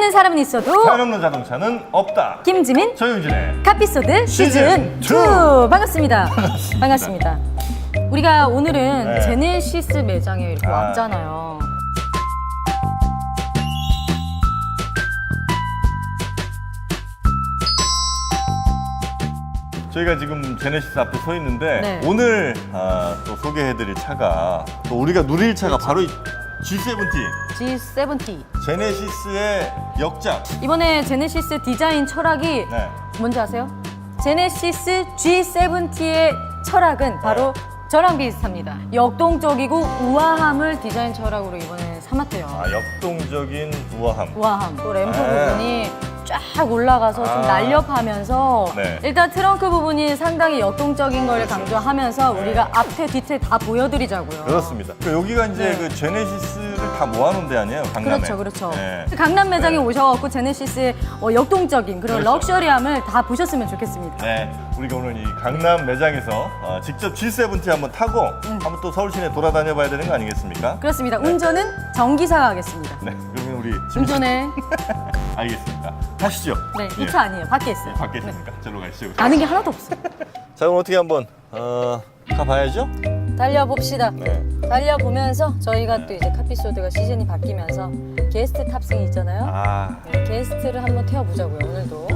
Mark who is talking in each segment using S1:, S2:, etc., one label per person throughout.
S1: 없는 사람은 있어도
S2: 사연 없는 자동차는 없다.
S1: 김지민
S2: 조용진의
S1: 카피소드 시즌 2 반갑습니다. 반갑습니다. 우리가 오늘은
S2: 네.
S1: 제네시스 매장에 이렇게 왔잖아요.
S2: 저희가 지금 제네시스 앞에 서 있는데
S1: 네.
S2: 오늘 또 소개해드릴 차가 또 우리가 누릴 차가 바로 이 G70
S1: G70.
S2: 제네시스의 역작.
S1: 이번에 제네시스 디자인 철학이
S2: 네.
S1: 뭔지 아세요? 제네시스 G70의 철학은 바로 저랑 비슷합니다. 역동적이고 우아함을 디자인 철학으로 이번에 삼았대요.
S2: 역동적인 우아함.
S1: 우아함. 또 램프
S2: 네.
S1: 부분이 쫙 올라가서 좀 날렵하면서
S2: 네.
S1: 일단 트렁크 부분이 상당히 역동적인 걸
S2: 그렇죠.
S1: 강조하면서
S2: 네.
S1: 우리가 앞에 뒤에 다 보여드리자고요.
S2: 그렇습니다. 여기가 이제
S1: 네.
S2: 그 제네시스를 다 모아놓은 데 아니에요, 강남에.
S1: 그렇죠, 그렇죠.
S2: 네.
S1: 강남 매장에
S2: 네.
S1: 오셔갖고 제네시스의 역동적인 그런
S2: 그렇죠.
S1: 럭셔리함을 다 보셨으면 좋겠습니다.
S2: 네, 우리가 오늘 이 강남 매장에서 직접 G70 한번 타고 한번 또 서울 시내 돌아다녀 봐야 되는 거 아니겠습니까?
S1: 그렇습니다. 운전은 정기사가 하겠습니다.
S2: 네, 그러면 우리
S1: 운전에
S2: 알겠습니다. 가시죠.
S1: 네, 이 차 아니에요. 밖에 있어요.
S2: 밖에 있으니까 저로 가시죠.
S1: 아는 게 하나도 없어.
S2: 자, 그럼 어떻게 한번 가봐야죠?
S1: 달려봅시다.
S2: 네.
S1: 달려보면서 저희가 또 이제 카피소드가 시즌이 바뀌면서 게스트 탑승이 있잖아요. 네, 게스트를 한번 태워보자고요, 오늘도.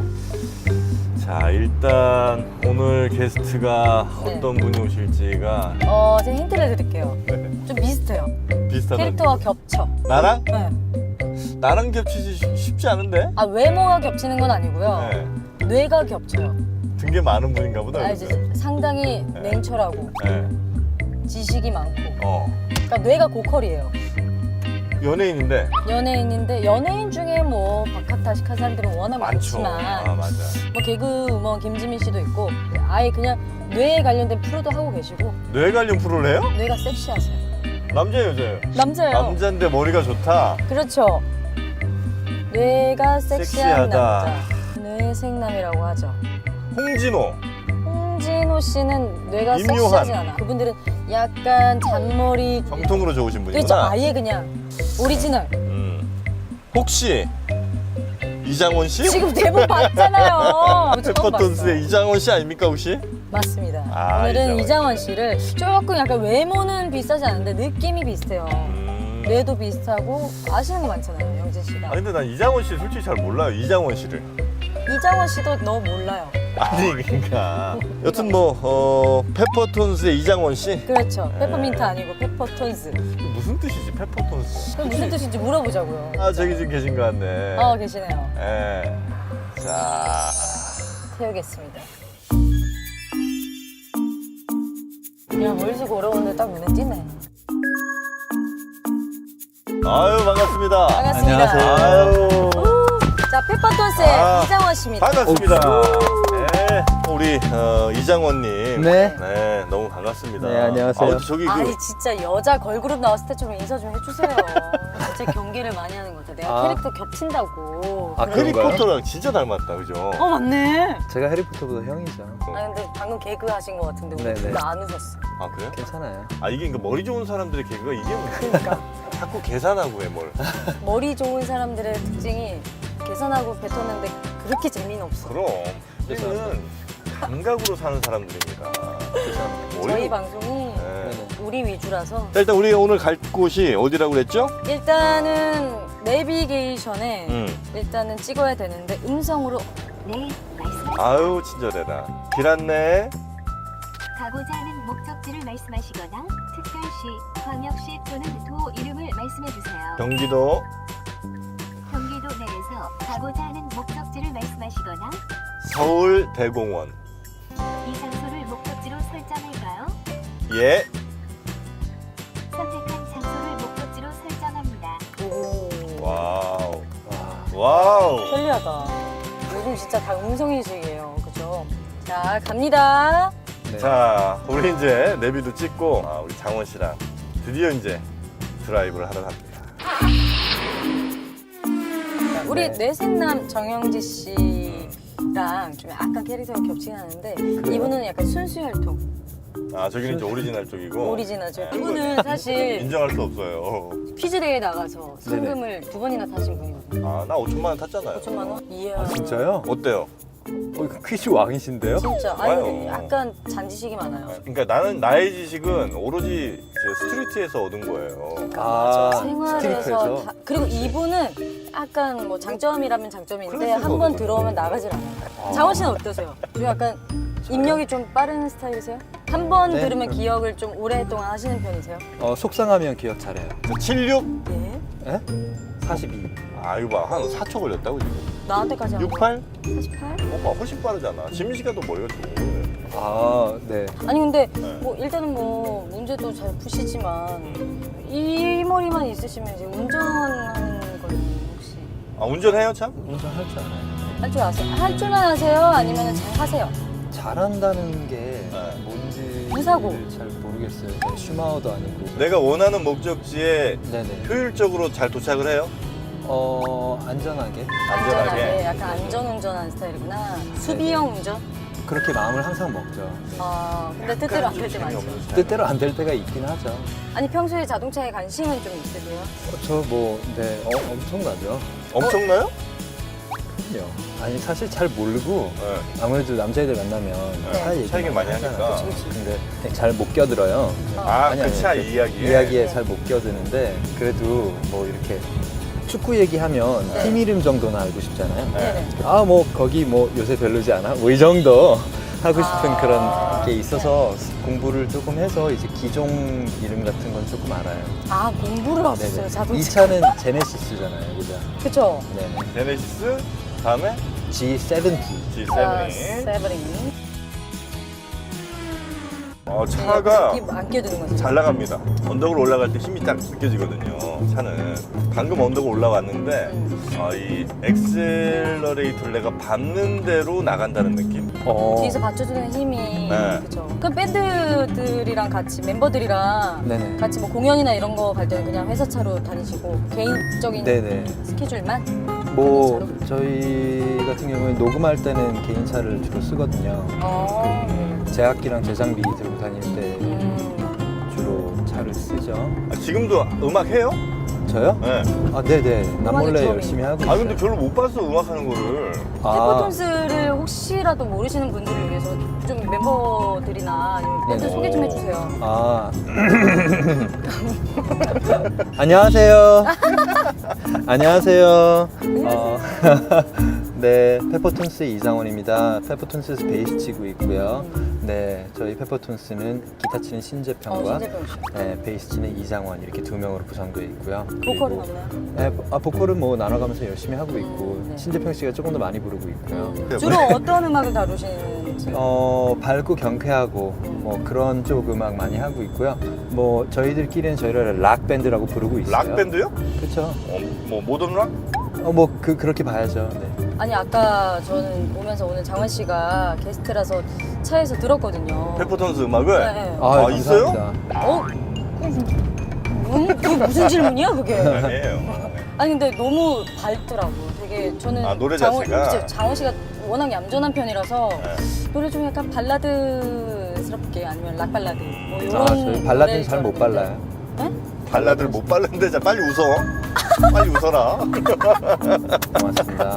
S2: 자, 일단 오늘 게스트가
S1: 네.
S2: 어떤 분이 오실지가
S1: 제가 힌트를 드릴게요.
S2: 네.
S1: 좀 비슷해요.
S2: 비슷하다.
S1: 캐릭터와 겹쳐.
S2: 나랑?
S1: 네.
S2: 나랑 겹치지 쉽지 않은데?
S1: 외모가 겹치는 건 아니고요.
S2: 네.
S1: 뇌가 겹쳐요.
S2: 등 게 많은 분인가 보다.
S1: 이제 상당히
S2: 네.
S1: 냉철하고
S2: 네.
S1: 지식이 많고.
S2: 뭐.
S1: 그러니까 뇌가 고퀄이에요.
S2: 연예인인데
S1: 연예인인데 연예인 중에 뭐 박학다식한 사람들은 워낙
S2: 많죠.
S1: 많지만
S2: 맞아.
S1: 뭐 개그우먼 김지민 씨도 있고 아예 그냥 뇌에 관련된 프로도 하고 계시고
S2: 뇌 관련 프로를 해요?
S1: 뇌가 섹시하세요.
S2: 남자예요, 여자예요?
S1: 남자예요.
S2: 남자인데 머리가 좋다.
S1: 그렇죠. 뇌가 섹시한
S2: 섹시하다.
S1: 남자. 뇌생남이라고 하죠.
S2: 홍진호.
S1: 홍진호 씨는 뇌가
S2: 임요한.
S1: 섹시하지 않아. 그분들은 약간 잔머리.
S2: 정통으로 좋으신 분이구나.
S1: 그렇죠. 아예 그냥 오리지널.
S2: 혹시 이장원 씨?
S1: 지금 대본 봤잖아요. 처음
S2: 페퍼톤스의
S1: 봤어.
S2: 이장원 씨 아닙니까 혹시?
S1: 맞습니다.
S2: 아,
S1: 오늘은
S2: 이장원
S1: 이장원 씨를 조금 약간 외모는 비슷하지 않은데 느낌이 비슷해요. 뇌도 비슷하고 아시는 거 많잖아요, 영진 씨가.
S2: 근데 난 이장원 씨 솔직히 잘 몰라요. 이장원 씨를.
S1: 이장원 씨도 너 몰라요.
S2: 아니 그러니까. 여튼 뭐 페퍼톤스의 이장원 씨.
S1: 그렇죠. 페퍼민트 아니고 페퍼톤스.
S2: 무슨 뜻이지 페퍼톤스?
S1: 그럼 무슨 뜻인지 물어보자고요.
S2: 저기 지금 계신 것 같네.
S1: 계시네요.
S2: 예. 자.
S1: 태우겠습니다. 그냥 멀리서 걸어오는데 딱 눈에 띄네.
S2: 아유 반갑습니다.
S1: 반갑습니다.
S3: 안녕하세요.
S2: 아유.
S1: 자, 페퍼톤스의 이장원 씨입니다.
S2: 반갑습니다. 네, 우리 이장원님.
S3: 네.
S2: 네, 너무 반갑습니다.
S3: 네, 안녕하세요.
S2: 저기
S1: 아니 진짜 여자 걸그룹 나왔을 때처럼 인사 좀 해주세요. 진짜 경계를 많이 하는 것 같아. 내가 캐릭터 겹친다고.
S3: 아,
S1: 그래.
S2: 해리포터랑 진짜 닮았다, 그죠?
S1: 맞네.
S3: 제가 해리포터보다 형이죠.
S1: 근데 방금 개그 하신 것 같은데 우리
S3: 네네.
S1: 둘 다 안 웃었어.
S2: 아 그래?
S3: 괜찮아요.
S2: 이게 그러니까 머리 좋은 사람들의 개그가 이게 뭐야?
S1: 그러니까
S2: 자꾸 계산하고 해 뭘?
S1: 머리 좋은 사람들의 특징이 계산하고 뱉었는데 그렇게 재미는 없어.
S2: 그럼 우리는 감각으로 사는 사람들입니다.
S1: 저희 방송이
S2: 네.
S1: 우리 위주라서
S2: 자, 일단 우리가 오늘 갈 곳이 어디라고 그랬죠?
S1: 일단은 내비게이션에 일단은 찍어야 되는데 음성으로
S4: 네, 말씀하세요.
S2: 아유 친절해라. 길 안내.
S4: 가고자 하는 목적지를 말씀하시거나 특별시, 광역시 또는 도 이름을 말씀해 주세요.
S2: 경기도
S4: 경기도 내에서 가고자 하는 목적지를 말씀하시거나
S2: 서울대공원.
S4: 이 장소를 목적지로 설정할까요?
S2: 예.
S4: 선택한 장소를 목적지로 설정합니다.
S2: 와우. 와우.
S1: 편리하다. 요즘 진짜 다 음성인식이에요. 그죠? 자, 갑니다.
S3: 네.
S2: 자, 우리 이제 내비도 찍고 우리 장원 씨랑 드디어 이제 드라이브를 하러 갑니다.
S1: 우리
S3: 네.
S1: 뇌생남 정영지 씨랑 좀 약간 캐릭터가 겹치긴 하는데 이분은 약간 순수혈통.
S2: 아 저기는 이제 오리지널 쪽이고.
S1: 오리지널죠. 이분은 사실
S2: 인정할 수 없어요.
S1: 퀴즈 대회에 나가서 상금을 2번이나 타신 분이거든요.
S2: 아 나 5천만 원 탔잖아요.
S1: 5천만 원? 이야.
S3: 아, 진짜요?
S2: 어때요?
S3: 이거 퀴즈 왕이신데요?
S1: 진짜.
S2: 좋아요.
S1: 아니 약간 잔지식이 많아요.
S2: 그러니까 나는 나의 지식은 오로지 저 스트리트에서 얻은 거예요.
S3: 아,
S1: 생활에서
S3: 스트리트에서?
S1: 그리고 이분은 약간 뭐 장점이라면 장점인데
S2: 클래스에서
S1: 한 번
S2: 얻은
S1: 들어오면 나가질 않아요. 장원 씨는 어떠세요? 좀 약간 입력이 좀 빠른 스타일이세요? 한 번
S3: 네.
S1: 들으면 기억을 좀 오랫동안 하시는 편이세요?
S3: 속상하면 기억 잘해요.
S2: 저 76?
S1: 예?
S3: 에? 42.
S2: 아 이거 봐. 한 4초 걸렸다고 지금.
S1: 나한테까지 한
S2: 68?
S1: 48?
S2: 오빠 훨씬 빠르잖아. 지민 씨가 더 멀려 지금.
S3: 아, 네.
S1: 아니 근데
S2: 네.
S1: 뭐 일단은 뭐 문제도 잘 푸시지만 이 머리만 있으시면 이제 운전하는 걸 혹시
S2: 아 운전해요 참?
S3: 운전할 줄 알아요.
S1: 할 줄 아세요? 할 줄만 아세요? 아니면 잘 하세요?
S3: 잘한다는 게
S2: 네.
S3: 뭔지
S1: 무사고.
S3: 잘 모르겠어요. 네, 슈마우도 아니고.
S2: 내가 원하는 목적지에
S3: 네네.
S2: 효율적으로 잘 도착을 해요?
S3: 안전하게.
S2: 안전하게.
S1: 약간 안전운전하는 스타일이구나. 수비형 운전?
S3: 그렇게 마음을 항상 먹죠. 네.
S1: 아 근데 뜻대로 안 될 때 많죠.
S2: 재미없는 스타일.
S3: 뜻대로 안 될 때가 있긴 하죠.
S1: 아니 평소에 자동차에 관심은 좀 있으세요?
S3: 저 뭐, 네, 엄청나죠.
S2: 엄청나요?
S3: 그럼요. 아니, 사실 잘 모르고,
S2: 네.
S3: 아무래도 남자애들 만나면
S2: 네,
S3: 차 얘기
S2: 차 얘기 많이 하니까.
S1: 그치.
S3: 근데 잘 못 껴들어요.
S2: 아
S3: 아니,
S2: 그
S3: 아니,
S2: 차
S3: 그
S2: 이야기에?
S3: 이야기에 잘 못 껴드는데, 그래도 뭐 이렇게 축구 얘기하면
S1: 네.
S3: 팀 이름 정도는 알고 싶잖아요.
S1: 네네.
S3: 아, 뭐 거기 뭐 요새 별로지 않아? 뭐 이 정도 하고 싶은
S1: 아.
S3: 그런 게 있어서 공부를 조금 해서 이제 기종 이름 같은 건 조금 알아요.
S1: 아 공부를 하셨어요
S3: 네네.
S1: 자동차.
S3: 이 차는 제네시스잖아요, 그죠?
S1: 그쵸?
S3: 네네.
S2: 제네시스 다음에
S3: G70.
S2: G70.
S1: 아, 세븐이.
S2: 차가
S1: 안 끼어드는 거죠.
S2: 잘 나갑니다. 언덕을 올라갈 때 힘이 딱 느껴지거든요. 차는 방금 언덕을 올라왔는데 이 엑셀러레이터를 내가 밟는 대로 나간다는 느낌.
S1: 뒤에서 받쳐주는 힘이
S2: 네.
S1: 그죠. 그 밴드들이랑 같이 멤버들이랑
S3: 네네.
S1: 같이 뭐 공연이나 이런 거 갈 때는 그냥 회사 차로 다니시고 개인적인
S3: 네네.
S1: 스케줄만
S3: 뭐
S1: 개인
S3: 저희 같은 경우에 녹음할 때는 개인 차를 주로 쓰거든요.
S1: 어.
S3: 제악기랑 제장비 들고 다닐 때
S1: 음.
S3: 주로 차를 쓰죠.
S2: 지금도 음악 해요?
S3: 저요?
S2: 네.
S3: 아, 네네. 남몰래
S1: 음악이
S3: 열심히 하고 있어요.
S2: 아 근데 별로 못 봤어 음악 하는 거를.
S1: 페퍼톤스를 혹시라도 모르시는 분들을 위해서 좀 멤버들이나 아니면 밴드
S3: 네네.
S1: 소개 좀 해주세요.
S3: 아. 안녕하세요. 안녕하세요. 네, 페퍼톤스의 이상원입니다. 페퍼톤스에서 베이스 치고 있고요. 네, 저희 페퍼톤스는 기타 치는 신재평과
S1: 신재평 씨.
S3: 네, 베이스 치는 이상원 이렇게 두 명으로 구성되어 있고요.
S1: 보컬은
S3: 그리고-
S1: 없나요?
S3: 네, 보컬은 뭐 나눠가면서 열심히 하고 있고
S1: 네.
S3: 신재평 씨가 조금 더 많이 부르고 있고요.
S1: 주로 어떤 음악을 다루시는지?
S3: 밝고 경쾌하고 뭐 그런 쪽 음악 많이 하고 있고요. 뭐 저희들끼리는 저희를 락 밴드라고 부르고 있어요.
S2: 락 밴드요?
S3: 그렇죠.
S2: 뭐 모던 락?
S3: 그렇게 봐야죠. 네.
S1: 아니 아까 저는 오면서 오늘 장원 씨가 게스트라서 차에서 들었거든요.
S2: 페퍼톤스 음악을?
S1: 네.
S2: 아, 있어요?
S3: 감사합니다.
S1: 그게 무슨 질문이야 그게?
S2: 아니에요.
S1: 아니 근데 너무 밝더라고. 되게 저는
S2: 아, 노래 자체가?
S1: 그치, 장원 씨가 워낙 얌전한 편이라서
S2: 네.
S1: 노래 중에 약간 발라드스럽게 아니면 락 발라드 뭐 이런
S3: 저희 발라드는 잘 못 발라요.
S1: 네?
S2: 발라드를 못 발랐는데 자 빨리 웃어. 빨리 웃어라.
S3: 고맙습니다.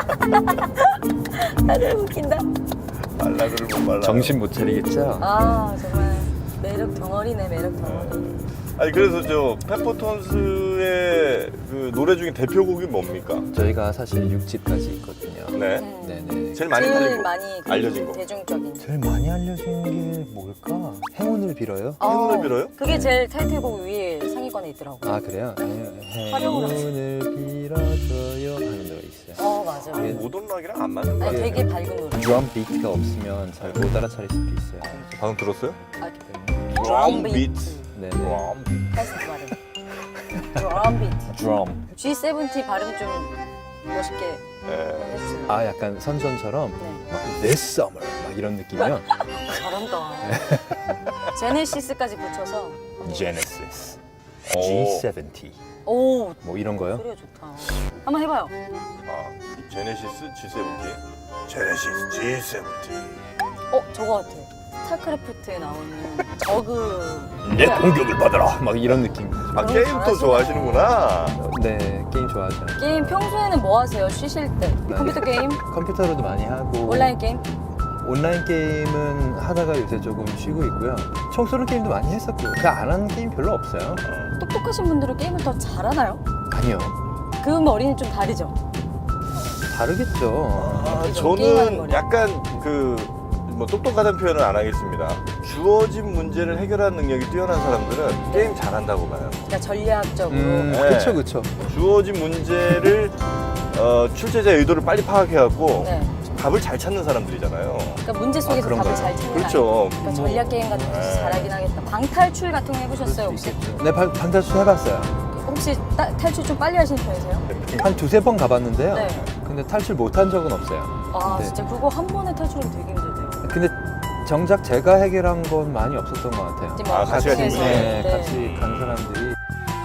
S1: 다들 웃긴다.
S2: 발라드를 못 발라.
S3: 정신 못 차리겠죠?
S1: 아 정말 매력 덩어리네 매력 덩어리.
S2: 아니 그래서 저 페퍼톤스의 그 노래 중에 대표곡이 뭡니까?
S3: 저희가 사실 6집까지 있거든요.
S2: 네.
S3: 네네.
S2: 제일 많이
S1: 제일
S2: 팔린 곡.
S1: 많이 그
S2: 알려진 곡.
S1: 대중적인.
S3: 제일 많이 알려진 게 뭘까? 행운을 빌어요?
S2: 행운을 빌어요?
S1: 그게 제일 타이틀곡 위에 상위권에 있더라고.
S3: 아, 그래요?
S1: 활용을
S3: 행운을 빌어줘요 하는 노래 있어요.
S1: 맞아.
S3: 예.
S2: 모던 락이랑 안 맞는 거
S1: 아니,
S2: 같아요.
S1: 되게 밝은 노래.
S3: 드럼 비트가 없으면 잘 못 알아차릴 수도 있어요.
S2: 방금 들었어요?
S1: 아,
S2: 드럼 비트.
S3: 네네.
S2: 드럼 비트.
S1: 패스트 발음. 드럼 비트.
S3: 드럼.
S1: G70 발음 좀 멋있게
S2: 네.
S1: 해주세요.
S3: 아, 약간 선전처럼
S1: 네.
S3: 막 This summer 막 이런 느낌이요.
S1: 잘한다. 제네시스까지 붙여서.
S3: Genesis,
S2: 오.
S3: G70
S1: 오,
S3: 뭐 이런 거요.
S1: 소리가 좋다. 한번 해봐요.
S2: 제네시스 G70. 제네시스 G70.
S1: 저거 같아. 스타크래프트에 나오는 저그.
S3: 내 공격을 받아라 막 이런 느낌.
S2: 아, 게임도 좋아하시는구나.
S3: 네, 게임 좋아하죠.
S1: 게임 평소에는 뭐 하세요? 쉬실 때? 컴퓨터 게임?
S3: 컴퓨터로도 많이 하고
S1: 온라인 게임?
S3: 온라인 게임은 하다가 요새 조금 쉬고 있고요. 청소년 게임도 많이 했었고 그냥 안 하는 게임 별로 없어요.
S1: 똑똑하신 분들은 게임을 더 잘하나요?
S3: 아니요,
S1: 그 머리는 좀 다르죠?
S3: 다르겠죠.
S1: 그죠? 게임하는
S2: 저는
S1: 머리.
S2: 약간 뭐 똑똑하다는 표현은 안 하겠습니다. 주어진 문제를 해결하는 능력이 뛰어난 사람들은 게임 잘한다고 봐요.
S1: 그러니까 전략적으로.
S2: 네.
S3: 그쵸.
S2: 주어진 문제를 출제자의 의도를 빨리 파악해갖고
S1: 네.
S2: 답을 잘 찾는 사람들이잖아요.
S1: 그러니까 문제 속에서 답을
S3: 그런가요?
S1: 잘 찾는
S2: 그렇죠.
S1: 그러니까 전략 게임 같은 거
S2: 네.
S1: 잘하긴 하겠다. 방탈출 같은 거 해보셨어요 혹시?
S3: 네, 방탈출 해봤어요.
S1: 혹시 탈출 좀 빨리 하시는 편이세요?
S3: 한 두세 번 가봤는데요.
S1: 네.
S3: 근데 탈출 못한 적은 없어요.
S1: 아
S3: 네.
S1: 진짜 그거 한 번에 탈출하면 되게 힘들대요.
S3: 근데 정작 제가 해결한 건 많이 없었던 것 같아요.
S1: 이제 뭐
S2: 아, 같이 가신
S1: 해서.
S2: 분이?
S3: 네,
S1: 네.
S3: 같이 간 사람들이.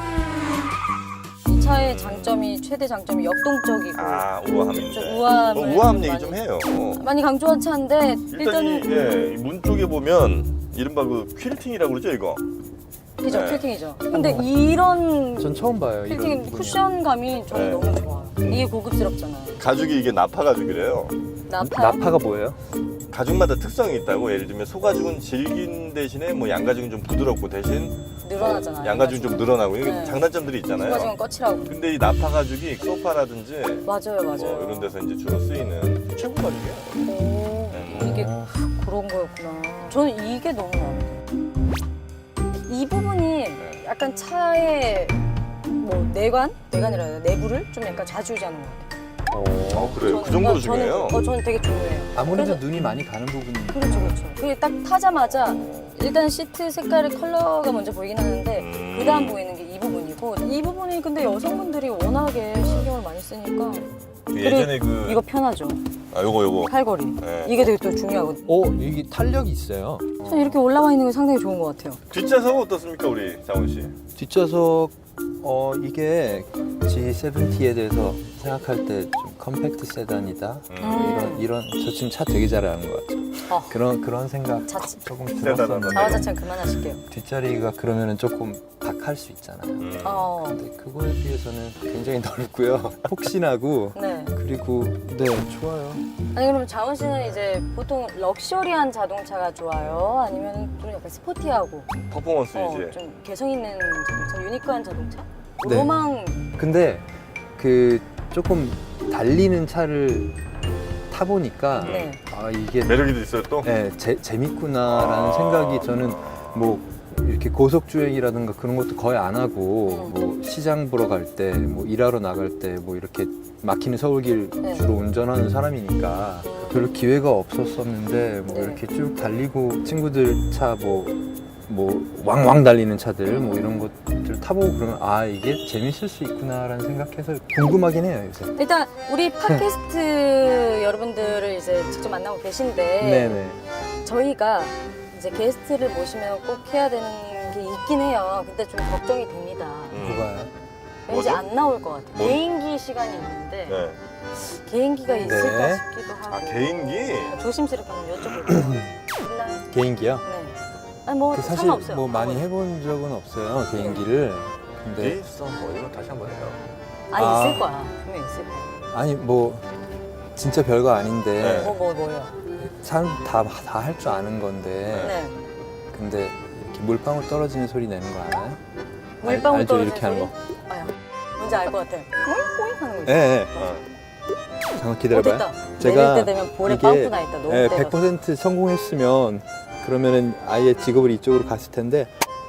S1: 이 차의 장점이 최대 장점이 역동적이고
S2: 우아함인데.
S1: 좀 우아함을
S2: 우아함
S1: 좀
S2: 얘기
S1: 많이-
S2: 좀 해요.
S1: 많이 강조한 차인데
S2: 일단
S1: 일단은
S2: 이문 쪽에 보면 이른바 그 퀼팅이라고 그러죠, 이거.
S1: 그죠
S2: 네.
S1: 퀼팅이죠. 근데 이런
S3: 전 처음 봐요. 이런
S1: 퀼팅
S3: 분야.
S1: 쿠션감이 저는
S2: 네.
S1: 너무 좋아요. 이게 고급스럽잖아요.
S2: 가죽이 이게 나파 가죽이래요.
S3: 나파가 뭐예요?
S2: 가죽마다 특성이 있다고. 예를 들면 소가죽은 질긴 대신에 뭐 양가죽은 좀 부드럽고 대신
S1: 늘어나잖아요.
S2: 양가죽은 좀 늘어나고 이게
S1: 네.
S2: 장단점들이 있잖아요.
S1: 소가죽은 거칠하고.
S2: 근데 이 나파 가죽이 소파라든지
S1: 맞아요.
S2: 뭐 이런 데서 이제 주로 쓰이는 최고 가죽이에요.
S1: 오, 이게 그런 거였구나. 저는 이게 너무 마음에 들어요. 이 부분이 약간 차의 뭐 내관이라 해야 되나? 내부를 좀 약간 좌지우지하는 것 같아요.
S2: 그래요? 그 정도로 중요해요?
S1: 저는 되게 중요해요.
S3: 아무래도
S1: 그래서-
S3: 눈이 많이 가는 부분이.
S1: 그렇죠. 그게 딱 타자마자 일단 시트 색깔의 컬러가 먼저 보이긴 하는데 그 다음 보이는 게 이 부분이고 이 부분이 근데 여성분들이 워낙에 신경을 많이 쓰니까
S2: 예전에
S1: 이거 편하죠.
S2: 요거.
S1: 팔걸이.
S2: 네.
S1: 이게 되게 또 중요하거든요.
S3: 이게 탄력이 있어요.
S1: 저는 이렇게 올라와 있는 게 상당히 좋은 것 같아요.
S2: 뒷좌석은 어떻습니까, 우리 장원 씨?
S3: 뒷좌석 이게 G70에 대해서 생각할 때 좀 컴팩트 세단이다. 이런 저 지금 차 되게 잘하는 것 같죠. 그런 생각 조금 들었어요.
S1: 자화자찬 그만하실게요.
S3: 뒷자리가 그러면은 조금 박할 수 있잖아요. 근데 그거에 비해서는 굉장히 넓고요. 폭신하고
S1: 네.
S3: 그리고 네 좋아요.
S1: 아니 그럼 자원 씨는 이제 보통 럭셔리한 자동차가 좋아요? 아니면 좀 약간 스포티하고
S2: 퍼포먼스 이제.
S1: 좀 개성 있는 자동차, 유니크한 자동차?
S3: 네.
S1: 로망.
S3: 근데 그 조금 달리는 차를 타보니까
S1: 네.
S3: 이게
S2: 매력이 있어요 또?
S3: 네, 재밌구나라는 생각이 저는 뭐 이렇게 고속주행이라든가 그런 것도 거의 안 하고 뭐 시장 보러 갈 때 뭐 일하러 나갈 때 뭐 이렇게 막히는 서울길
S1: 네.
S3: 주로 운전하는 사람이니까 별로 기회가 없었었는데 뭐
S1: 네.
S3: 이렇게 쭉 달리고 친구들 차 뭐 왕왕 달리는 차들 뭐 이런 것들 타보고 그러면 이게 재밌을 수 있구나라는 생각해서 궁금하긴 해요 요새.
S1: 일단 우리 팟캐스트 여러분들을 이제 직접 만나고 계신데
S3: 네네.
S1: 저희가 이제 게스트를 모시면 꼭 해야 되는 게 있긴 해요. 근데 좀 걱정이 됩니다.
S3: 뭐가요?
S1: 왠지
S2: 뭐죠?
S1: 안 나올 것 같아요.
S2: 뭐?
S1: 개인기 시간이 있는데
S2: 네.
S1: 개인기가 있을까
S3: 네.
S1: 싶기도 하고
S2: 개인기?
S1: 조심스럽게 한번 여쭤볼게요. 있나요?
S3: 개인기요?
S1: 네. 아니 뭐
S3: 그 사실
S1: 상관없어요.
S3: 뭐 많이 해본 적은 없어요 개인기를. 근데
S2: 있어. 뭐 이런 거 다시 한번 해요.
S1: 있을 거야. 분명 있을 거야.
S3: 아니 뭐 진짜 별거 아닌데
S2: 네.
S1: 뭐요?
S3: 사람 다 할 줄 아는 건데
S1: 네.
S3: 근데 이렇게 물방울 떨어지는 소리 내는 거 알아요?
S1: 물방울
S3: 알죠?
S1: 떨어지는
S3: 이렇게 하는 거.
S1: 아야. 뭔지 알 것 같아. 꼬잉꼬잉 하는 거 있어.
S3: 네.
S2: 어.
S3: 잠깐 기다려봐요.
S1: 됐다.
S3: 제가
S1: 내릴 때 되면 볼에
S3: 이게,
S1: 빵꾸 나 있다. 너무
S3: 네,
S1: 때려서.
S3: 100% 성공했으면 그러면은 아예 직업을 이쪽으로 갔을 텐데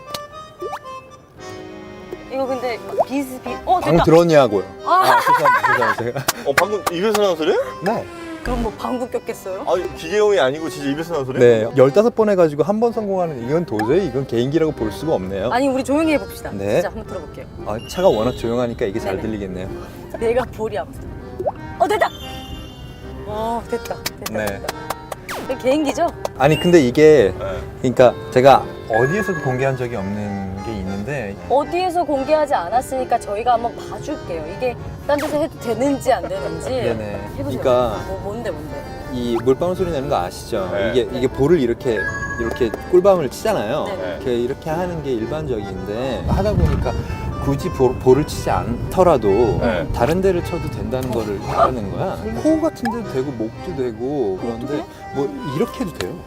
S1: 이거 근데 비슷.
S3: 방
S1: 됐다.
S3: 들었냐고요.
S1: 아.
S3: 죄송합니다. 제가.
S2: 방금 입에서 나온 소리야?
S3: 네.
S1: 그럼 뭐 방구 꼈겠어요?
S2: 기계음이 아니고 진짜 입에서 나온 소리야?
S3: 네. 15번 해가지고 한 번 성공하는 이건 도저히 이건 개인기라고 볼 수가 없네요.
S1: 아니 우리 조용히 해봅시다.
S3: 네.
S1: 진짜 한번 들어볼게요.
S3: 차가 워낙 조용하니까 이게 잘
S1: 네네.
S3: 들리겠네요.
S1: 내가 볼이 아프다. 됐다. 됐다.
S3: 네.
S1: 됐다. 이게 개인기죠?
S3: 아니 근데 이게
S2: 네.
S3: 그러니까 제가 어디에서도 공개한 적이 없는 게 있는데
S1: 어디에서 공개하지 않았으니까 저희가 한번 봐줄게요. 이게 딴 데서 해도 되는지 안 되는지.
S3: 네네.
S1: 해보세요.
S3: 그러니까
S1: 뭔데?
S3: 이 물방울 소리 내는 거 아시죠?
S2: 네.
S3: 이게 볼을 이렇게 이렇게 꿀밤을 치잖아요.
S1: 네.
S3: 이렇게 하는 게 일반적인데 하다 보니까 굳이 볼을 치지 않더라도
S2: 네.
S3: 다른 데를 쳐도 된다는 거를 알아낸 거야. 코 같은 데도 되고 목도 되고 그런데 뭐 이렇게 해도 돼요.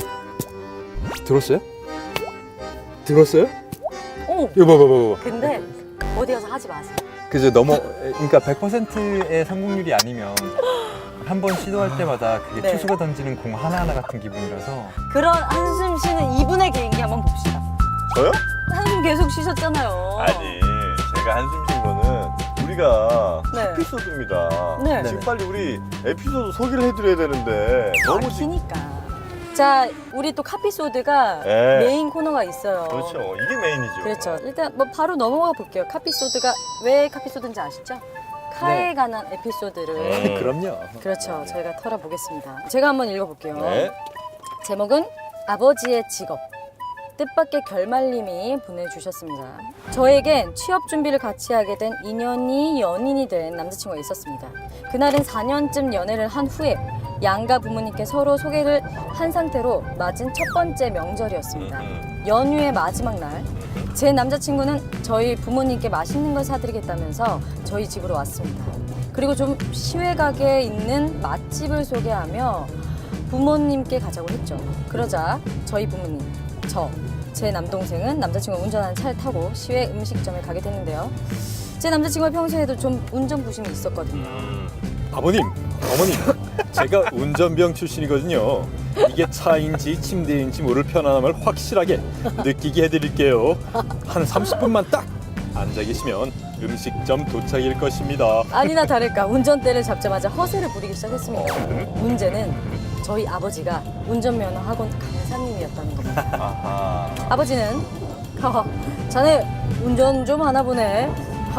S3: 들었어요? 들었어요?
S1: 오!
S3: 이거 봐봐.
S1: 근데 어디 가서 하지 마세요.
S3: 그죠. 그러니까 100%의 성공률이 아니면 한 번 시도할 때마다 그게
S1: 네.
S3: 투수가 던지는 공 하나하나 같은 기분이라서
S1: 그런 한숨 쉬는 이분의 개인기 한번 봅시다.
S2: 저요?
S1: 한숨 계속 쉬셨잖아요.
S2: 아니 제가 한숨 쉰 거는 우리가
S1: 네.
S2: 에피소드입니다.
S1: 네.
S2: 지금 빨리 우리 에피소드 소개를 해드려야 되는데 너무
S1: 기니까. 자, 우리 또 카피소드가
S2: 네.
S1: 메인 코너가 있어요.
S2: 그렇죠. 이게 메인이죠.
S1: 그렇죠. 일단 뭐 바로 넘어가 볼게요. 카피소드가 왜 카피소드인지 아시죠? 카에
S3: 네.
S1: 관한 에피소드를
S3: 그럼요.
S1: 그렇죠. 저희가 털어보겠습니다. 제가 한번 읽어볼게요.
S2: 네.
S1: 제목은 아버지의 직업. 뜻밖의 결말님이 보내주셨습니다. 저에겐 취업 준비를 같이 하게 된 인연이 연인이 된 남자친구가 있었습니다. 그날은 4년쯤 연애를 한 후에 양가 부모님께 서로 소개를 한 상태로 맞은 첫 번째 명절이었습니다. 연휴의 마지막 날, 제 남자친구는 저희 부모님께 맛있는 걸 사드리겠다면서 저희 집으로 왔습니다. 그리고 좀 시외가게에 있는 맛집을 소개하며 부모님께 가자고 했죠. 그러자 저희 부모님, 제 남동생은 남자친구가 운전하는 차를 타고 시외 음식점에 가게 됐는데요. 제 남자친구가 평소에도 좀 운전 부심이 있었거든요.
S5: 아버님, 어머님, 제가 운전병 출신이거든요. 이게 차인지 침대인지 모를 편안함을 확실하게 느끼게 해드릴게요. 한 30분만 딱 앉아 계시면 음식점 도착일 것입니다.
S1: 아니나 다를까 운전대를 잡자마자 허세를 부리기 시작했습니다. 문제는 저희 아버지가 운전면허 학원 강사님이었다는 겁니다.
S2: 아하.
S1: 아버지는 자네 운전 좀 하나 보네.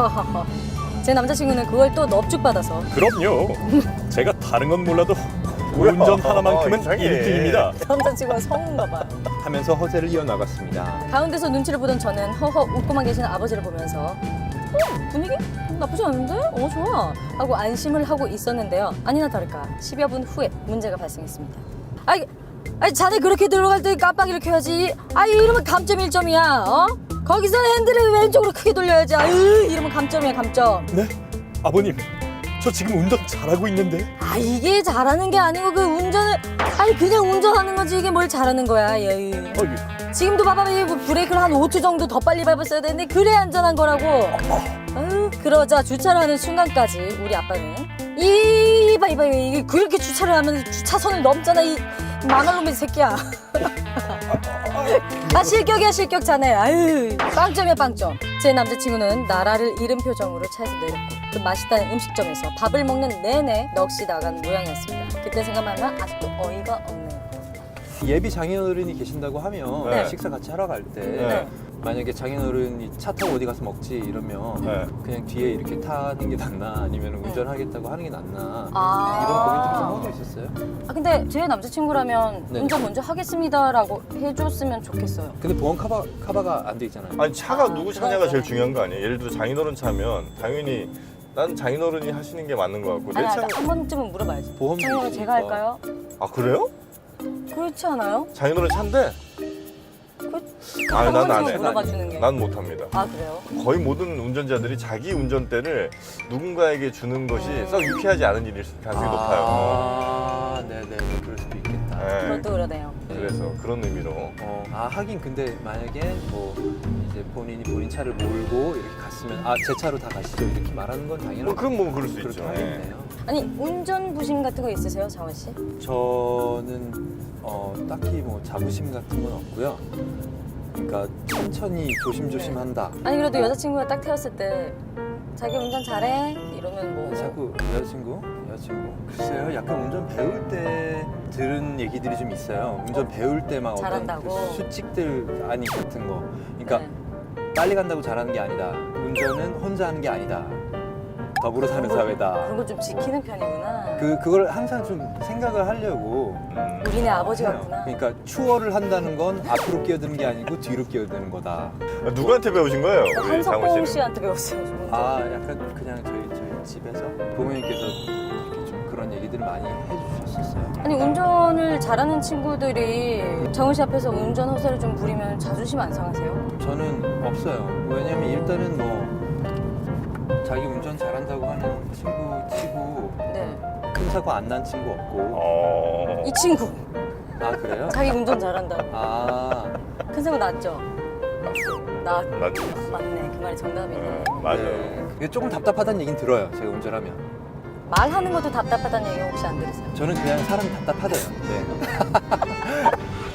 S1: 제 남자친구는 그걸 또 넙죽받아서
S5: 그럼요. 제가 다른 건 몰라도
S2: 뭐야?
S5: 운전 하나만큼은
S2: 이상해.
S5: 1등입니다.
S1: 남자친구가 성운가 봐.
S3: 하면서 허세를 이어나갔습니다.
S1: 가운데서 눈치를 보던 저는 허허 웃고만 계시는 아버지를 보면서 분위기 나쁘지 않은데? 좋아 하고 안심을 하고 있었는데요. 아니나 다를까 10여 분 후에 문제가 발생했습니다. 아니 자네 그렇게 들어갈 때 깜빡이를 켜야지. 이러면 감점 1점이야. 거기서 핸들을 왼쪽으로 크게 돌려야지. 이러면 감점이야 감점.
S5: 네? 아버님, 저 지금 운전 잘하고 있는데.
S1: 이게 잘하는 게 아니고 그 운전을 그냥 운전하는 거지 이게 뭘 잘하는 거야. 지금도 봐봐 이 브레이크를 한 5초 정도 더 빨리 밟았어야 되는데 그래 안전한 거라고. 그러자 주차를 하는 순간까지 우리 아빠는 이봐 이게 그렇게 주차를 하면 주차선을 넘잖아 이 망할놈의 새끼야. 실격이야 실격 자네. 빵점이야 빵점. 제 남자친구는 나라를 잃은 표정으로 차에서 내렸고 그 맛있다는 음식점에서 밥을 먹는 내내 넋이 나간 모양이었습니다. 그때 생각하면 아직도 어이가 없네요.
S3: 예비 장인어른이 계신다고 하면
S2: 네.
S3: 식사 같이 하러 갈 때
S2: 네.
S3: 만약에 장인어른이 차 타고 어디 가서 먹지 이러면
S2: 네.
S3: 그냥 뒤에 이렇게 타는 게 낫나 아니면 운전하겠다고 하는 게 낫나
S1: 아.
S3: 이런 고민도 좀 하고 있었어요.
S1: 근데 제 남자친구라면
S3: 네.
S1: 운전 먼저 하겠습니다라고 해줬으면 좋겠어요.
S3: 근데 보험 카바가 안 돼 있잖아요.
S2: 아니 차가 누구
S1: 그건
S2: 차냐가 제일
S1: 그러네.
S2: 중요한 거 아니에요? 예를 들어 장인어른 차면 당연히 난 장인어른이 하시는 게 맞는 거 같고 내 차는
S1: 한 번쯤은 물어봐야지.
S3: 보험도
S1: 장인어른
S3: 있으니까.
S1: 제가 할까요?
S2: 아 그래요?
S1: 그렇지 않아요?
S2: 장인어른 차인데?
S1: 한
S2: 난 안
S1: 번쯤은
S2: 해.
S1: 물어봐 주는 게.
S2: 난 못합니다.
S1: 그래요?
S2: 거의 모든 운전자들이 자기 운전대를 누군가에게 주는 것이 썩 유쾌하지 않은 일일 가능성이 높아요.
S3: 네네, 그럴 수도 있겠다.
S2: 네.
S1: 그것도 그러네요.
S2: 그래서 그런 의미로
S3: 하긴 근데 만약에 뭐 이제 본인이 본인 차를 몰고 이렇게 갔으면 제 차로 다 가시죠 이렇게 말하는 건 당연한
S2: 그건 뭐 그럴 수
S3: 그렇게
S2: 있죠.
S3: 하겠네요.
S1: 아니 운전 부심 같은 거 있으세요, 장원 씨?
S3: 저는 딱히 뭐 자부심 같은 건 없고요. 그러니까 천천히 조심조심 한다.
S1: 아니 그래도 여자친구가 딱 태웠을 때 자기 운전 잘해? 이러면 뭐
S3: 자꾸 여자친구? 글쎄요, 약간 운전 배울 때 들은 얘기들이 좀 있어요. 운전 배울 때 막 어떤
S1: 잘한다고?
S3: 그 수칙들 같은 거. 그러니까
S1: 네.
S3: 빨리 간다고 잘하는 게 아니다. 운전은 혼자 하는 게 아니다. 더불어 사는 사회다.
S1: 그런 거 좀 지키는 편이구나.
S3: 그걸 항상 좀 생각을 하려고
S1: 우리네 아버지
S3: 해요.
S1: 같구나.
S3: 그러니까 추월을 한다는 건 앞으로 끼어드는 게 아니고 뒤로 끼어드는 거다.
S2: 누구한테 배우신 거예요? 우리 장원
S1: 한석봉
S2: 씨는?
S1: 씨한테 배웠어요. 저 운전.
S3: 약간 그냥 저희 집에서 부모님께서 이렇게 좀 그런 얘기들을 많이 해주셨었어요.
S1: 아니 운전을 잘하는 친구들이 장훈 씨 앞에서 운전 허세를 좀 부리면 자존심 안 상하세요?
S3: 저는 없어요. 왜냐면 일단은 뭐 자기 운전 잘한다고 하는 친구 치고
S1: 네.
S3: 큰 사고 안 난 친구 없고.
S1: 이 친구
S3: 아 그래요?
S1: 자기 운전 잘한다고.
S3: 아
S1: 큰 사고 났죠? 나
S2: 맞죠.
S1: 맞네. 그 말이 정답이네.
S2: 맞아요.
S3: 네. 이게 조금 답답하다는 얘기는 들어요. 제가 운전하면.
S1: 말하는 것도 답답하다는 얘기 혹시 안 들으세요?
S3: 저는 그냥 사람이 답답하대요. 네.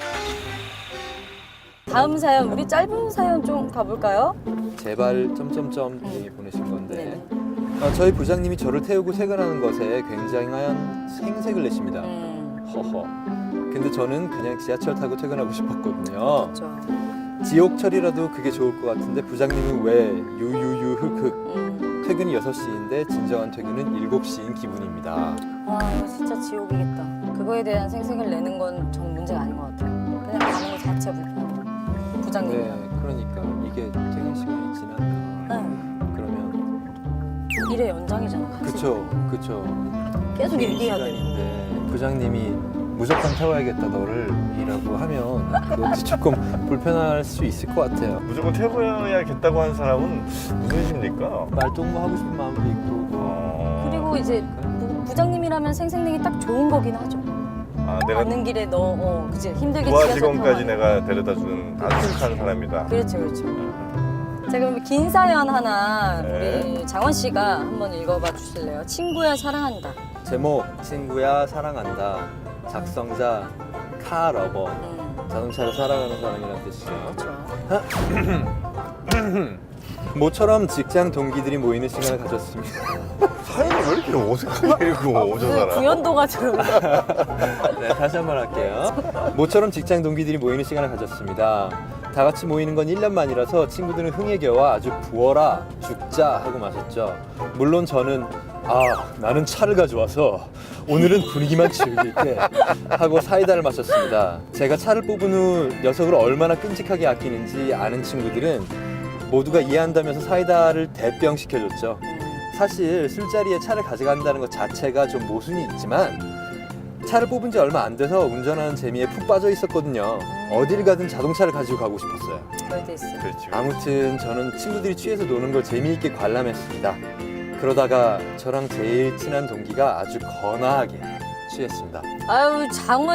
S1: 다음 사연, 우리 짧은 사연 좀 가볼까요?
S3: 제발 점점점 얘기 보내신 건데
S1: 네네.
S3: 저희 부장님이 저를 태우고 퇴근하는 것에 굉장한 생색을 내십니다. 허허. 근데 저는 그냥 지하철 타고 퇴근하고 싶었거든요.
S1: 그렇죠.
S3: 지옥철이라도 그게 좋을 것 같은데 부장님은 왜 유유유 흑흑 퇴근이 6시인데 진정한 퇴근은 7시인 기분입니다.
S1: 와, 이거 진짜 지옥이겠다. 그거에 대한 생색을 내는 건 저는 문제가 아닌 것 같아요. 그냥 가는 것 자체 불편해요.
S3: 네,
S1: 부장님이랑.
S3: 그러니까 이게 퇴근 시간이 지나면
S1: 응.
S3: 그러면
S1: 일의 연장이잖아. 같이.
S3: 그쵸
S1: 계속 얘기해야 돼.
S3: 시간인데 부장님이 무조건 태워야겠다 너를 이라고 하면 그것도 조금 불편할 수 있을 것 같아요.
S2: 무조건 태워야겠다고 하는 사람은 무슨 심리일까?
S3: 말동무 하고 싶은 마음도 있고 뭐.
S1: 그리고 이제 부장님이라면 생색내기 딱 좋은 거긴 하죠.
S2: 내가
S1: 가는 길에 너, 그치 힘들게
S2: 부하
S1: 지하철
S2: 직원까지
S1: 타고
S2: 내가 데려다주는 아주 착한 사람이다.
S1: 그렇죠. 자, 그럼 긴 사연 하나
S2: 네.
S1: 우리 장원 씨가 한번 읽어봐 주실래요? 친구야 사랑한다.
S3: 제목 친구야 사랑한다. 작성자 카러버. 자동차를 사랑하는 사람이라는 뜻이죠.
S1: 그렇죠.
S3: 모처럼 직장 동기들이 모이는 시간을 가졌습니다.
S2: 사연이 왜 이렇게 어색하게 읽고 저 사람?
S1: 구연도가 들어오네.
S3: 네, 다시 한번 할게요. 모처럼 직장 동기들이 모이는 시간을 가졌습니다. 다 같이 모이는 건 1년 만이라서 친구들은 흥에 겨워 아주 부어라 죽자 하고 마셨죠. 물론 저는 나는 차를 가져와서 오늘은 분위기만 즐길게 하고 사이다를 마셨습니다. 제가 차를 뽑은 후 녀석을 얼마나 끔찍하게 아끼는지 아는 친구들은 모두가 이해한다면서 사이다를 대병 시켜줬죠. 사실 술자리에 차를 가져간다는 것 자체가 좀 모순이 있지만 차를 뽑은 지 얼마 안 돼서 운전하는 재미에 푹 빠져 있었거든요. 어딜 가든 자동차를 가지고 가고 싶었어요.
S1: 그럴 때 있어.
S2: 그렇지.
S3: 아무튼 저는 친구들이 취해서 노는 걸 재미있게 관람했습니다. 그러다가 저랑 제일 친한 동기가 아주 거나하게 취했습니다.
S1: 아유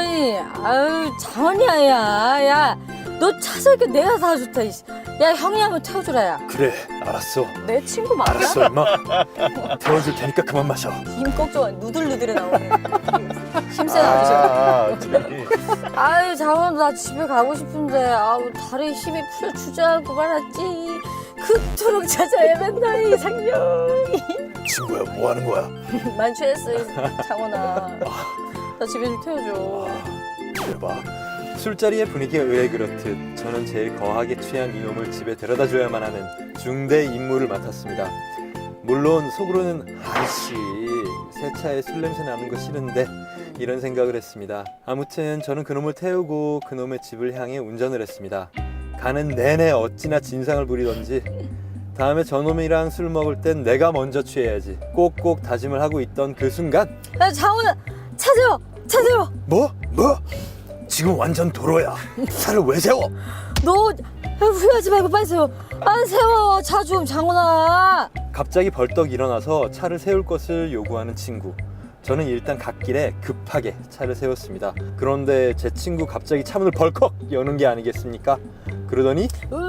S1: 장원이야 야 너 차 살게 내가 사줬다. 야 형이 한번 태워주라 야.
S3: 그래 알았어
S1: 내 친구 맞냐?
S3: 임마 태워줄 테니까 그만 마셔.
S1: 힘 꺽져 누들누들해 나오네. 힘센 아저씨.
S2: 저기.
S1: 아유 장원 나 집에 가고 싶은데 다리에 힘이 풀려 주저앉고 말았지. 그토록 찾아 헤맨다 이 상냥이.
S3: 친구야 뭐 하는 거야?
S1: 많이 취했어 장원아. 나 집에 좀 태워줘.
S3: 대박. 술자리의 분위기가 의외 그렇듯 저는 제일 거하게 취한 이놈을 집에 데려다 줘야만 하는 중대 임무를 맡았습니다. 물론 속으로는 아이씨 새 차에 술 냄새 나는 거 싫은데 이런 생각을 했습니다. 아무튼 저는 그놈을 태우고 그놈의 집을 향해 운전을 했습니다. 가는 내내 어찌나 진상을 부리던지 다음에 저놈이랑 술 먹을 땐 내가 먼저 취해야지 꼭꼭 다짐을 하고 있던 그 순간
S1: 야 장원아 차 세워.
S3: 뭐? 지금 완전 도로야. 차를 왜 세워?
S1: 너 후회하지 말고 빨리 세워. 세워 차 좀 장원아.
S3: 갑자기 벌떡 일어나서 차를 세울 것을 요구하는 친구. 저는 일단 갓길에 급하게 차를 세웠습니다. 그런데 제 친구 갑자기 차문을 벌컥 여는 게 아니겠습니까? 그러더니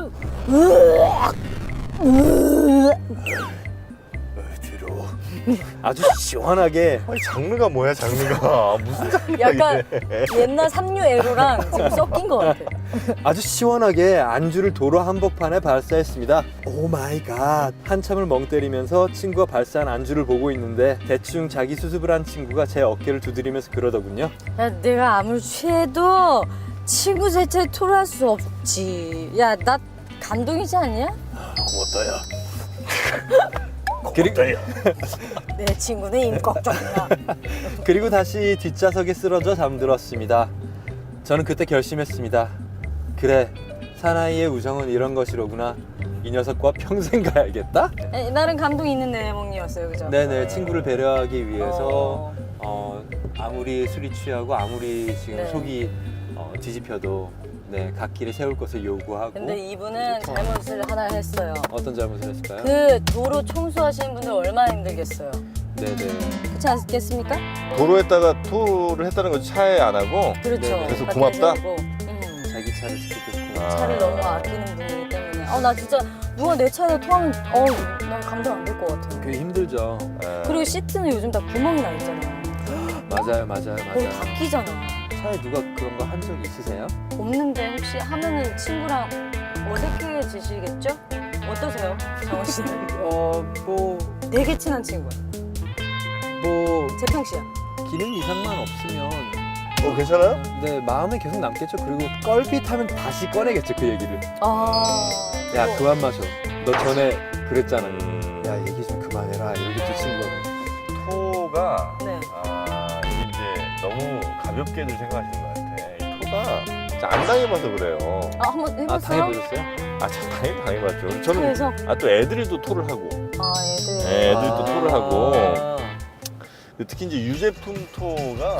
S3: 뒤로 아주 시원하게
S2: 아니 장르가 뭐야 장르가 무슨 장르가
S1: 약간
S2: 이래?
S1: 옛날 삼류 에로랑 지금 섞인 것 같아.
S3: 아주 시원하게 안주를 도로 한복판에 발사했습니다. 오 마이 갓. 한참을 멍 때리면서 친구가 발사한 안주를 보고 있는데 대충 자기 수습을 한 친구가 제 어깨를 두드리면서 그러더군요.
S1: 야 내가 아무리 취해도 친구 세차에 토로할 수 없지. 야 나 감동이지 않냐?
S3: 고맙다 야.
S1: 내 친구는 임꺽정이야.
S3: 그리고 다시 뒷좌석에 쓰러져 잠들었습니다. 저는 그때 결심했습니다. 그래, 사나이의 우정은 이런 것이로구나. 이 녀석과 평생 가야겠다?
S1: 나름 감동이 있는 내용이었어요, 그죠?
S3: 네네, 친구를 배려하기 위해서 아무리 술이 취하고 아무리 지금
S1: 네.
S3: 속이 뒤집혀도 네, 갓길에 세울 것을 요구하고.
S1: 근데 이분은 잘못을 하나 했어요.
S3: 어떤 잘못을 했을까요?
S1: 그 도로 청소하시는 분들 얼마나 힘들겠어요.
S3: 네네.
S1: 그렇지 않겠습니까?
S2: 도로에다가 토를 했다는 거 차에 안 하고
S1: 그렇죠.
S3: 네,
S2: 그래서
S1: 밖에
S2: 고맙다?
S1: 세우고.
S3: 자기 차를 지켜줬고.
S2: 아.
S1: 차를 너무 아끼는 분이기 때문에 나 진짜 누가 내 차에다 토하면 난 감당 안 될 것 같아.
S3: 그게 힘들죠.
S2: 예.
S1: 그리고 시트는 요즘 다 구멍이 나 있잖아요.
S3: 맞아요.
S1: 거기 다 끼잖아.
S3: 차에 누가 그런 거 한 적 있으세요?
S1: 없는데 혹시 하면은 친구랑 어색해지시겠죠? 어떠세요, 정원 씨는?
S3: 뭐
S1: 되게 친한 친구야. 재평 씨야.
S3: 기능 이상만 없으면
S2: 괜찮아요?
S3: 네 마음에 계속 남겠죠. 그리고 껄핏하면 다시 꺼내겠죠 그 얘기를. 야
S1: 그거.
S3: 그만 마셔. 너 전에 그랬잖아. 야
S2: 음,
S3: 얘기 좀 그만해라. 이렇게 또 친구가.
S2: 토가
S1: 네.
S2: 이게 이제 너무 가볍게들 생각하시는 것 같아. 이 토가 진짜 안 당해봐서 그래요.
S1: 한번 해봤어요?
S3: 당해보셨어요?
S2: 참 당연히 당해봤죠. 저는
S1: 그래서
S2: 또 애들이 또 토를 하고
S1: 애들.
S2: 네, 애들이 또 토를 하고
S3: 아.
S2: 특히 이제 유제품 토가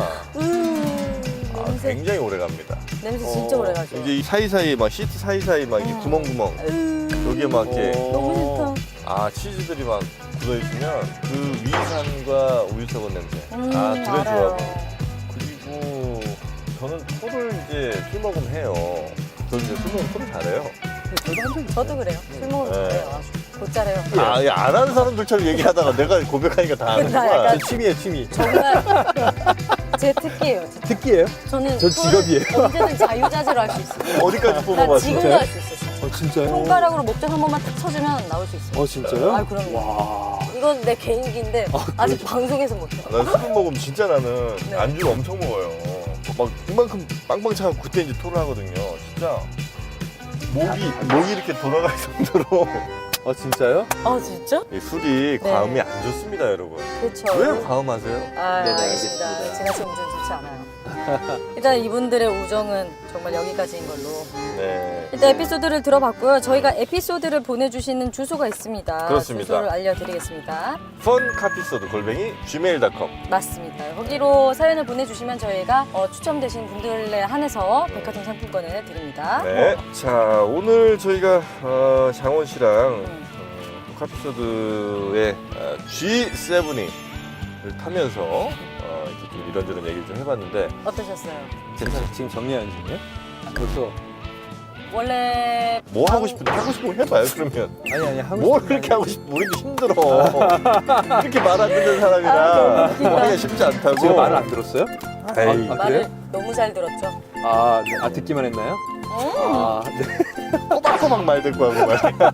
S1: 냄새.
S2: 굉장히 오래 갑니다.
S1: 냄새 진짜 오래 가죠.
S2: 이제 이 사이사이 막 시트 사이사이 막 이게 구멍구멍 여기에 막 이렇게
S1: 너무 싫다.
S2: 치즈들이 막 굳어있으면 그 위산과 우유석은 냄새 되게
S1: 알아요.
S2: 좋아하고 그리고 저는 토를 이제 술 먹으면 해요. 저는 이제 술 먹으면 토를 잘해요.
S1: 저도 그래요. 술 먹으면
S2: 네.
S1: 잘해요. 아주 곧잘해요.
S2: 안 하는 사람들처럼 얘기하다가 내가 고백하니까 다 하는
S1: 나
S2: 거야.
S1: 약간-
S3: 취미예요 취미.
S1: 정말 제 특기예요. 진짜.
S3: 특기예요?
S1: 저는
S3: 저 직업이에요.
S1: 토를 언제든 자유자재로 할 수 있어요.
S2: 어디까지
S1: 나
S2: 뽑아봤어?
S1: 지금도 할 수 있어.
S3: 진짜요?
S1: 손가락으로 목젖 한 번만 탁 쳐주면 나올 수 있어요.
S3: 진짜요?
S1: 아, 그럼요.
S3: 와.
S1: 이건 내 개인기인데 아직 방송에서 못해.
S2: 난 술 먹으면 진짜 나는
S1: 네.
S2: 안주를 엄청 먹어요. 막 이만큼 빵빵 차고 그때 이제 토를 하거든요. 진짜 목이 이렇게 돌아갈 정도로
S3: 진짜요?
S1: 진짜?
S2: 이 술이
S1: 네.
S2: 과음이 안 좋습니다, 여러분.
S1: 그렇죠.
S2: 왜 과음하세요?
S3: 네네,
S1: 알겠습니다.
S3: 알겠습니다.
S1: 지나친 운전 좋지 않아요. 일단 이분들의 우정은 정말 여기까지인 걸로.
S2: 네.
S1: 일단 에피소드를 들어봤고요. 저희가 에피소드를 보내주시는 주소가 있습니다.
S2: 그렇습니다.
S1: 주소를 알려드리겠습니다.
S2: fun카피소드@gmail.com.
S1: 맞습니다. 거기로 사연을 보내주시면 저희가 추첨되신 분들에 한해서 백화점 상품권을 드립니다.
S2: 네. 자, 오늘 저희가 장원 씨랑 카피소드의 G7을 타면서 이렇게 좀 이런저런 얘기를 좀 해봤는데
S1: 어떠셨어요?
S3: 괜찮아요. 지금 정리하는 중이에요? 벌써.
S1: 원래
S2: 뭐 하고 싶은데 하고 싶은 거 해봐요, 그러면.
S3: 아니 하고
S2: 뭘
S3: 싶은
S2: 그렇게
S3: 게
S2: 하고 싶어? 우리도 힘들어. 이렇게 말 안 듣는
S1: 너무
S2: 사람이랑
S1: 웃기다.
S2: 뭐 하기가 쉽지 않다고.
S3: 제가 말을 안 들었어요?
S2: 에이.
S3: 아,
S1: 말을
S3: 그래요?
S1: 너무 잘 들었죠.
S3: 듣기만 했나요? 네.
S2: 꼬박꼬박 말 듣고 하고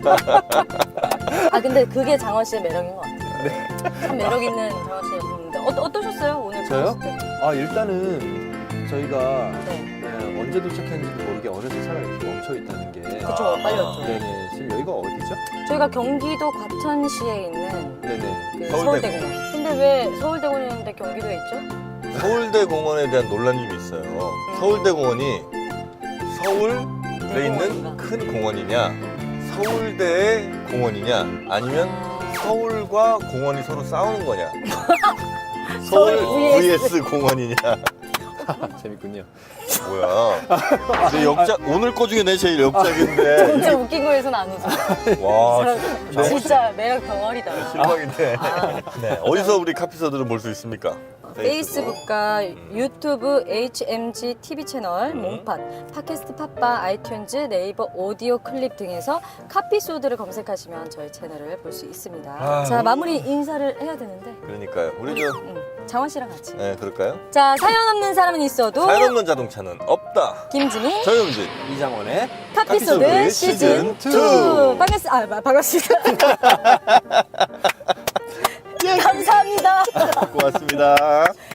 S2: 말이야.
S1: 근데 그게 장원 씨의 매력인 것 같아요. 참 매력 있는 장원 씨였는데 어떠셨어요 오늘?
S3: 저요?
S1: 들었을 때?
S3: 일단은 저희가
S1: 네.
S3: 언제 도착했는지도 모르게 어느새 차가 이렇게 멈춰 있다는 게.
S1: 그쵸, 빨리 왔죠.
S3: 네네. 지금 여기가 어디죠?
S1: 저희가 경기도 과천시에 있는
S3: 네네.
S1: 그
S2: 서울대공원.
S1: 서울대공원. 근데 왜 서울대공원인데 경기도에 있죠?
S2: 서울대공원에 대한 논란이 좀 있어요. 서울대공원이 서울에 있는 큰 공원이냐, 서울대의 공원이냐, 아니면 서울과 공원이 서로 싸우는 거냐. 서울
S1: 서울
S2: vs 공원이냐.
S3: 재밌군요.
S2: 뭐야. 내 역작, 오늘 거 중에 내 제일 역작인데.
S1: 진짜 웃긴 거에서는 아니죠.
S2: 와,
S1: 이 사람 진짜 매력 덩어리다.
S2: 실망인데. 네, 어디서 우리 카피서들을 볼 수 있습니까?
S1: 페이스북과 유튜브 HMG TV 채널, 몸팟, 팟캐스트 팟빵, 아이튠즈, 네이버 오디오 클립 등에서 카피소드를 검색하시면 저희 채널을 볼 수 있습니다. 자, 마무리 인사를 해야 되는데
S2: 그러니까요. 우리
S1: 장원 씨랑 같이.
S2: 네, 그럴까요?
S1: 자, 사연 없는 사람은 있어도
S2: 사연 없는 자동차는 없다.
S1: 김지민
S2: 정영진.
S3: 이장원의
S1: 카피소드
S2: 카피소드
S1: 시즌 2.
S2: 시즌 2.
S1: 반갑습니다. 감사합니다.
S2: 고맙습니다.